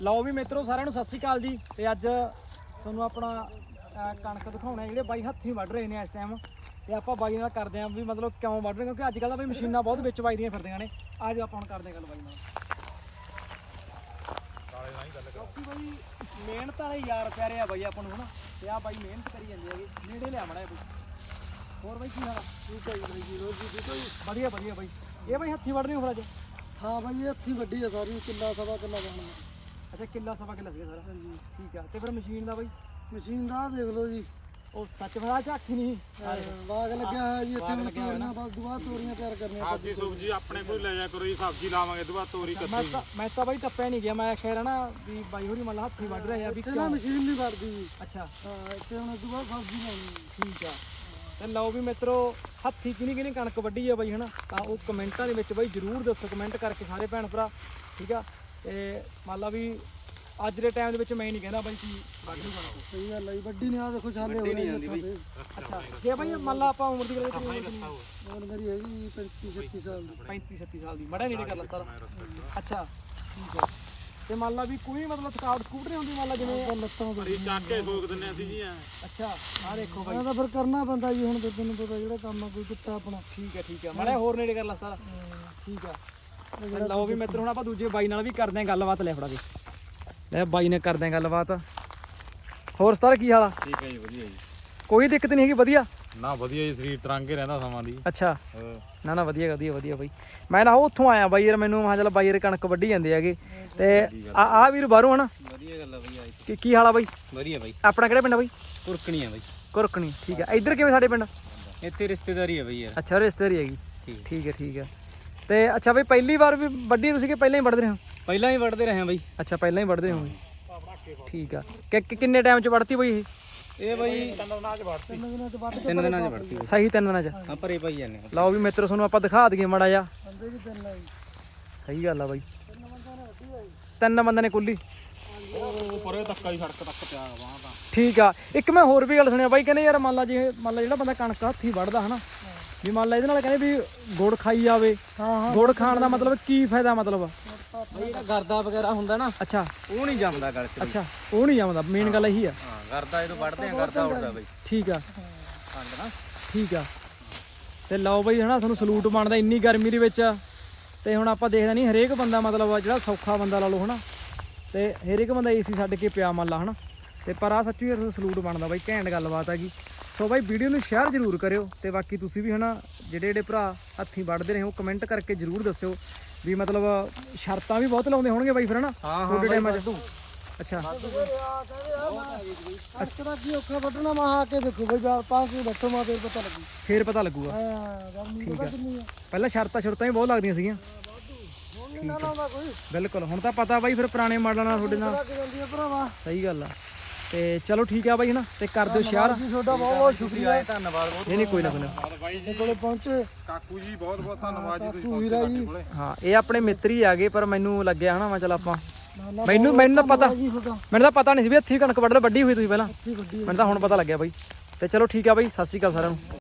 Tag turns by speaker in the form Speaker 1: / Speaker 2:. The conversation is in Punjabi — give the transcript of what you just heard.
Speaker 1: ਲਓ ਵੀ ਮਿੱਤਰੋ ਸਾਰਿਆਂ ਨੂੰ ਸਤਿ ਸ਼੍ਰੀ ਅਕਾਲ ਜੀ। ਤੇ ਅੱਜ ਤੁਹਾਨੂੰ ਆਪਣਾ ਕਣਕ ਦਿਖਾਉਣਾ ਜਿਹੜੇ ਬਾਈ ਹੱਥੀਂ ਵੱਢ ਰਹੇ ਨੇ ਇਸ ਟਾਈਮ। ਤੇ ਆਪਾਂ ਬਾਈ ਨਾਲ ਕਰਦੇ ਆਂ ਵੀ ਮਤਲਬ ਕਿਉਂ ਵੱਢ ਰਹੇ, ਕਿਉਂਕਿ ਅੱਜ ਕੱਲ੍ਹ ਤਾਂ ਬਈ ਮਸ਼ੀਨਾਂ ਬਹੁਤ ਵਿੱਚ ਵੱਜਦੀਆਂ ਫਿਰਦੀਆਂ ਨੇ। ਅੱਜ ਆਪਾਂ ਹੁਣ ਕਰਦੇ ਆਂ ਗੱਲ ਬਾਈ ਨਾਲ। ਕਿਉਂਕਿ ਬਾਈ ਮਿਹਨਤ ਵਾਲੇ ਯਾਰ ਪਿਆਰੇ ਆ ਬਾਈ ਆਪਾਂ ਨੂੰ ਹਨਾ। ਤੇ ਆ ਬਾਈ ਮਿਹਨਤ ਕਰੀ ਜਾਂਦੇ ਹੈਗੇ, ਨੇੜੇ ਲਿਆ ਮੜਾ ਬਾਈ। ਹੋਰ ਬਾਈ ਕੀ ਹਾਲ ਆ?
Speaker 2: ਠੀਕ ਹੈ ਜੀ ਜੀ ਰੋਜ਼ ਦੀ ਕੋਈ
Speaker 1: ਵਧੀਆ ਵਧੀਆ ਬਾਈ। ਇਹ ਬਾਈ ਹੱਥੀਂ ਵੱਢ ਰਹੇ ਹੋ ਫਿਰ ਅੱਜ?
Speaker 2: ਹਾਂ ਬਾਈ ਇਹ ਹੱਥੀਂ ਵੱਡੀ ਆ ਸਾਰੀ, ਕਿੱਲਾ ਸਵਾ ਕਿੱਲਾ ਬਣਨਾ।
Speaker 1: ਅੱਛਾ ਕਿੱਲਾ ਸਵਾ ਕਿੱਲਾ ਸੀਗਾ ਸਾਰਾ?
Speaker 2: ਹਾਂਜੀ
Speaker 1: ਠੀਕ ਆ। ਤੇ ਫਿਰ ਮਸ਼ੀਨ ਦਾ ਬਾਈ?
Speaker 2: ਮਸ਼ੀਨ ਦਾ ਦੇਖ ਲਓ ਜੀ,
Speaker 1: ਉਹ ਸੱਚ ਫੜਾ ਝਾਕੀ ਨਹੀਂ
Speaker 2: ਬਾਗ ਲੱਗਿਆ ਹੋਇਆ ਜੀ ਇੱਥੇ। ਹੁਣ ਤੋਰੀਆਂ ਬਸ ਦੁਬਾਰਾ ਤੋਰੀਆਂ ਤਿਆਰ ਕਰਨੀਆਂ।
Speaker 3: ਸਬਜ਼ੀ ਸੁਬਜੀ ਆਪਣੇ ਕੋਲ ਲੈ ਜਾ ਕਰੋ ਜੀ, ਸਬਜ਼ੀ ਲਾਵਾਂਗੇ ਦੁਬਾਰਾ ਤੋਰੀ ਕੱਟੀ।
Speaker 1: ਮੈਂ ਤਾਂ ਬਾਈ ਟੱਪਿਆ ਨਹੀਂ ਗਿਆ, ਮੈਂ ਖੈਰ ਨਾ ਵੀ ਬਾਈ ਹੋਰੀ ਮੱਲਾ ਹੱਥੀਂ ਵੱਢ ਰਹੇ ਆ ਵੀ
Speaker 2: ਇੱਥੇ ਨਾ ਮਸ਼ੀਨ ਨਹੀਂ ਵੜਦੀ ਜੀ।
Speaker 1: ਅੱਛਾ
Speaker 2: ਹਾਂ ਇੱਥੇ ਹੁਣ ਦੁਬਾਰਾ ਸਬਜ਼ੀ ਲਾਉਣੀ।
Speaker 1: ਠੀਕ ਆ। ਤੇ ਲਓ ਵੀ ਮਿੱਤਰੋ ਹੱਥੀਂ ਕਿਹਨੀ ਕਣਕ ਵੱਢੀ ਆ ਬਾਈ ਹਨਾ, ਤਾਂ ਉਹ ਕਮੈਂਟਾਂ ਦੇ ਵਿੱਚ ਬਾਈ ਜ਼ਰੂਰ ਦੱਸੋ, ਕਮੈਂਟ ਕਰਕੇ ਸਾਰੇ ਭੈਣ ਭਰਾ। ਠੀਕ ਆ। ਤੇ ਮੰਨ ਲਾ ਵੀ ਅੱਜ ਦੇ ਟਾਈਮ ਦੇ ਵਿੱਚ ਮੈਂ ਨਹੀਂ ਕਹਿੰਦਾ ਬਾਈ ਕੀ ਵੱਢ ਨਹੀਂ ਕਣਕ।
Speaker 2: ਸਹੀ ਗੱਲ ਹੈ, ਵੱਡੀ ਨਹੀਂ ਆ ਦੇਖੋ ਛਾਲੇ ਹੋ ਰਹੇ ਨੇ।
Speaker 1: ਅੱਛਾ ਜੇ ਬਾਈ ਮੰਨ ਲਾ ਆਪਾਂ ਉਮਰ ਦੀ ਗੱਲ ਕਰੀਏ,
Speaker 2: ਉਮਰ ਮੇਰੀ ਹੈਗੀ 35-36 ਸਾਲ ਦੀ।
Speaker 1: 35-37 ਸਾਲ ਦੀ, ਮੜਾ ਨੇੜੇ ਕਰ ਲੱਤਾ। ਅੱਛਾ ਠੀਕ ਆ। ਤੇ ਮੰਨ ਲਾ ਵੀ ਕੋਈ ਮਤਲਬ ਥਕਾਵਟ ਸਕੂਟ ਨਹੀਂ ਹੁੰਦੀ, ਮੰਨ ਲਾ ਜਿਵੇਂ
Speaker 2: ਲੱਤਾਂ ਤੋਂ।
Speaker 3: ਚੱਕ ਕੇ ਸੋਕ ਦਿੰਨੇ ਅਸੀਂ ਜੀ।
Speaker 1: ਅੱਛਾ ਆਹ ਦੇਖੋ ਬਾਈ,
Speaker 2: ਇਹ ਤਾਂ ਫਿਰ ਕਰਨਾ ਪੈਂਦਾ ਜੀ। ਹੁਣ ਤੇ ਤੈਨੂੰ ਪਤਾ ਜਿਹੜਾ ਕੰਮ ਆ ਕੋਈ ਕਿੱਤਾ ਆਪਣਾ।
Speaker 1: ਠੀਕ ਆ ਮੜਾ ਹੋਰ ਨੇੜੇ ਕਰ ਲਾ ਸਾਰਾ। ਠੀਕ ਆ। ਲਓ ਵੀ ਮਿੱਤਰ ਹੁਣ ਆਪਾਂ ਦੂਜੇ ਬਾਈ ਨਾਲ ਵੀ ਕਰਦੇ ਆਂ ਗੱਲਬਾਤ। ਲੈ ਫੜਾ ਦੇ, ਲੈ ਬਾਈ ਨੇ ਕਰਦੇ ਆਂ ਗੱਲਬਾਤ। ਹੋਰ ਸਤਾਰ ਕੀ ਹਾਲ ਆ?
Speaker 3: ਠੀਕ ਹੈ ਜੀ, ਵਧੀਆ ਜੀ।
Speaker 1: ਕੋਈ ਦਿੱਕਤ ਨਹੀਂ ਹੈਗੀ? ਵਧੀਆ
Speaker 3: ਨਾ ਵਧੀਆ ਜੀ, ਸਰੀਰ ਤਰੰਗੇ ਰਹਿੰਦਾ ਸਮਾਂ ਦੀ।
Speaker 1: ਅੱਛਾ ਨਾ ਵਧੀਆ ਵਧੀਆ ਵਧੀਆ ਬਾਈ। ਮੈਂ ਨਾ ਉੱਥੋਂ ਆਇਆ ਬਾਈ ਯਾਰ, ਮੈਨੂੰ ਮੈਂ ਚੱਲ ਬਾਈ ਯਾਰ ਕਣਕ ਵੱਢੀ ਜਾਂਦੇ ਹੈਗੇ। ਤੇ ਆ ਵੀਰ ਬਾਹਰੋਂ ਹਨਾ।
Speaker 3: ਵਧੀਆ ਗੱਲ ਆ ਬਈ।
Speaker 1: ਕੀ ਹਾਲ ਆ ਬਾਈ?
Speaker 3: ਵਧੀਆ ਬਾਈ।
Speaker 1: ਆਪਣਾ ਕਿਹੜਾ ਪਿੰਡ ਆ ਬਾਈ?
Speaker 3: ਕੁਰਕਣੀ ਆ ਬਾਈ।
Speaker 1: ਕੁਰਕਣੀ। ਠੀਕ ਆ। ਇੱਧਰ ਕਿਵੇਂ ਸਾਡੇ ਪਿੰਡ?
Speaker 3: ਇੱਥੇ ਰਿਸ਼ਤੇਦਾਰੀ ਆ ਬਈ ਯਾਰ।
Speaker 1: ਅੱਛਾ ਰਿਸ਼ਤੇਦਾਰੀ ਹੈਗੀ। ਠੀਕ ਆ। ਤੇ ਅੱਛਾ ਬਾਈ ਪਹਿਲੀ ਵਾਰ ਵੀ ਵੱਢੀ ਤੁਸੀਂ ਕਿ ਪਹਿਲਾਂ ਹੀ ਵੱਢਦੇ ਰਹੇ ਹੋ?
Speaker 3: ਪਹਿਲਾਂ ਹੀ ਵੱਢਦੇ ਰਹੇ ਬਾਈ।
Speaker 1: ਅੱਛਾ ਪਹਿਲਾਂ ਹੀ ਵੱਢਦੇ ਹੋ। ਠੀਕ ਆ। ਕਿੰਨੇ ਟਾਈਮ ਚ ਵੱਢਤੀ ਬਾਈ ਇਹ?
Speaker 3: ਇਹ ਬਾਈ 3 ਦਿਨਾਂ ਚ ਵੱਢਤੀ।
Speaker 1: ਸਹੀ 3 ਦਿਨਾਂ ਚ?
Speaker 3: ਹਾਂ ਭਰੇ ਪਾਈ ਜਾਂਦੇ।
Speaker 1: ਲਓ ਵੀ ਮਿੱਤਰੋ ਤੁਹਾਨੂੰ ਆਪਾਂ ਦਿਖਾ ਦਈਏ ਮਾੜਾ ਜਿਹਾ।
Speaker 2: ਬੰਦੇ ਵੀ ਤਿੰਨ ਆ ਜੀ।
Speaker 1: ਸਹੀ ਗੱਲ ਆ ਬਾਈ, 3 ਬੰਦੇ ਨੇ ਕੁੱਲੀ।
Speaker 3: ਉਹ ਪਰੇ ਤੱਕਾ ਹੀ ਸੜਕ ਤੱਕ ਪਿਆ ਵਾਂ ਤਾਂ।
Speaker 1: ਠੀਕ ਆ। ਇੱਕ ਮੈਂ ਹੋਰ ਵੀ ਗੱਲ ਸੁਣਿਆ ਬਾਈ, ਕਹਿੰਦੇ ਯਾਰ ਮੰਨ ਲਾ ਜਿਹੜਾ ਬੰਦਾ ਕਣਕ ਹੱਥੀਂ ਵੱਢਦਾ ਹਨਾ, ਵੀ ਮੰਨ ਲਾ ਇਹਦੇ ਨਾਲ ਕਹਿੰਦੇ ਵੀ ਗੁੜ ਖਾਈ ਜਾਵੇ। ਗੁੜ ਖਾਣ ਦਾ ਮਤਲਬ ਕੀ ਫਾਇਦਾ? ਮਤਲਬ
Speaker 3: ਬਈ ਜਿਹੜਾ ਗਰਦਾ ਵਗੈਰਾ ਹੁੰਦਾ ਨਾ,
Speaker 1: ਅੱਛਾ
Speaker 3: ਉਹ ਨਹੀਂ ਜੰਮਦਾ ਗਲ ਚ।
Speaker 1: ਅੱਛਾ ਉਹ ਨਹੀਂ ਜੰਮਦਾ, ਮੇਨ ਗੱਲ ਇਹੀ ਆ।
Speaker 3: ਹਾਂ ਗਰਦਾ ਜਦੋਂ ਵੱਢਦੇ ਆ ਗਰਦਾ ਉੱਡਦਾ ਬਈ।
Speaker 1: ਠੀਕ ਆ
Speaker 3: ਖੰਡ ਨਾ।
Speaker 1: ਠੀਕ ਆ। ਤੇ ਲਓ ਬਈ ਹਨਾ ਤੁਹਾਨੂੰ ਸਲੂਟ ਬਣਦਾ ਇੰਨੀ ਗਰਮੀ ਦੇ ਵਿੱਚ। ਤੇ ਹੁਣ ਆਪਾਂ ਦੇਖਦਾ ਨਹੀਂ ਹਰੇਕ ਬੰਦਾ ਮਤਲਬ ਜਿਹੜਾ ਸੌਖਾ ਬੰਦਾ ਲਾ ਲਓ ਹਨਾ, ਤੇ ਹਰੇਕ ਬੰਦਾ ਏਸੀ ਛੱਡ ਕੇ ਪਿਆ ਮੰਨ ਲਾ ਹਨਾ। ਤੇ ਪਰ ਆ ਸੱਚੀ ਸਲੂਟ ਬਣਦਾ ਬਾਈ, ਘੈਂਟ ਗੱਲਬਾਤ ਹੈਗੀ। ਸੋ ਬਾਈ ਵੀਡੀਓ ਨੂੰ ਸ਼ੇਅਰ ਜ਼ਰੂਰ ਕਰਿਓ। ਤੇ ਬਾਕੀ ਤੁਸੀਂ ਵੀ ਹਨਾ ਜਿਹੜੇ ਭਰਾ ਹੱਥੀਂ ਵੱਢਦੇ ਰਹੇ ਹੋ ਕਮੈਂਟ ਕਰਕੇ ਜ਼ਰੂਰ ਦੱਸਿਓ ਵੀ ਮਤਲਬ ਸ਼ਰਤਾਂ ਵੀ ਬਹੁਤ ਲਾਉਂਦੇ ਹੋਣਗੇ ਬਾਈ ਫਿਰ ਹਨਾ ਤੁਹਾਡੇ ਟਾਈਮਾਂ 'ਚ। ਅੱਛਾ
Speaker 2: ਅੱਛਾ ਕੀ ਔਖਾ ਵੱਢਣਾ ਮਾ ਆ ਕੇ ਦੇਖੋ ਬਈ 4-5 ਵਜੇ ਬੈਠੋ ਮਾ ਫੇਰ ਪਤਾ ਲੱਗੂਗਾ।
Speaker 1: ਫੇਰ ਪਤਾ ਲੱਗੂਗਾ।
Speaker 2: ਹਾਂ
Speaker 1: ਠੀਕ ਆ।
Speaker 2: ਕਿੰਨੀ ਆ
Speaker 1: ਪਹਿਲਾਂ ਸ਼ਰਤਾਂ ਵੀ ਬਹੁਤ ਲੱਗਦੀਆਂ ਸੀਗੀਆਂ।
Speaker 2: ਹੁਣ ਨਹੀਂ ਨਾ ਲਾਉਂਦਾ ਕੋਈ।
Speaker 1: ਬਿਲਕੁਲ ਹੁਣ ਤਾਂ ਪਤਾ ਬਾਈ ਫਿਰ ਪੁਰਾਣੇ ਮਾਡਲਾਂ ਨਾਲ ਤੁਹਾਡੇ ਨਾਲ।
Speaker 2: ਲੱਗ ਜਾਂਦੀ ਆ ਭਰਾਵਾ।
Speaker 1: ਸਹੀ ਗੱਲ ਆ। ਤੇ ਚਲੋ ਠੀਕ ਆ ਬਾਈ ਹਨਾ, ਤੇ ਕਰ ਦਿਓ ਸ਼ੇਅਰ।
Speaker 2: ਜੀ ਤੁਹਾਡਾ ਬਹੁਤ ਬਹੁਤ ਸ਼ੁਕਰੀਆ।
Speaker 3: ਧੰਨਵਾਦ ਬਹੁਤ।
Speaker 1: ਨਹੀਂ ਕੋਈ ਨਾ ਕੋਈ ਨਾ।
Speaker 2: ਤੁਹਾਡੇ ਕੋਲੇ ਪਹੁੰਚੇ
Speaker 3: ਕਾਕੂ ਜੀ ਬਹੁਤ ਬਹੁਤ ਧੰਨਵਾਦ ਜੀ, ਤੁਸੀਂ
Speaker 2: ਕਾਕੂ ਵੀਰਾ ਜੀ।
Speaker 1: ਹਾਂ ਇਹ ਆਪਣੇ ਮਿੱਤਰ ਹੀ ਆ ਗਏ, ਪਰ ਮੈਨੂੰ ਲੱਗਿਆ ਹਨਾ ਮੈਂ ਚੱਲ ਆਪਾਂ
Speaker 2: ਨਾ
Speaker 1: ਮੈਨੂੰ ਤਾਂ ਪਤਾ
Speaker 2: ਜੀ ਤੁਹਾਡਾ
Speaker 1: ਮੈਨੂੰ ਤਾਂ ਪਤਾ ਨਹੀਂ ਸੀ ਵੀ ਹੱਥੀਂ ਕਣਕ ਵੱਢ ਵੱਡੀ ਹੋਈ ਤੁਸੀਂ ਪਹਿਲਾਂ।
Speaker 2: ਅੱਛੀ ਵੱਡੀ
Speaker 1: ਮੈਨੂੰ ਤਾਂ ਹੁਣ ਪਤਾ ਲੱਗਿਆ ਬਾਈ। ਤੇ ਚਲੋ ਠੀਕ ਆ ਬਾਈ, ਸਤਿ ਸ਼੍ਰੀ ਅਕਾਲ ਸਾਰਿਆਂ ਨੂੰ।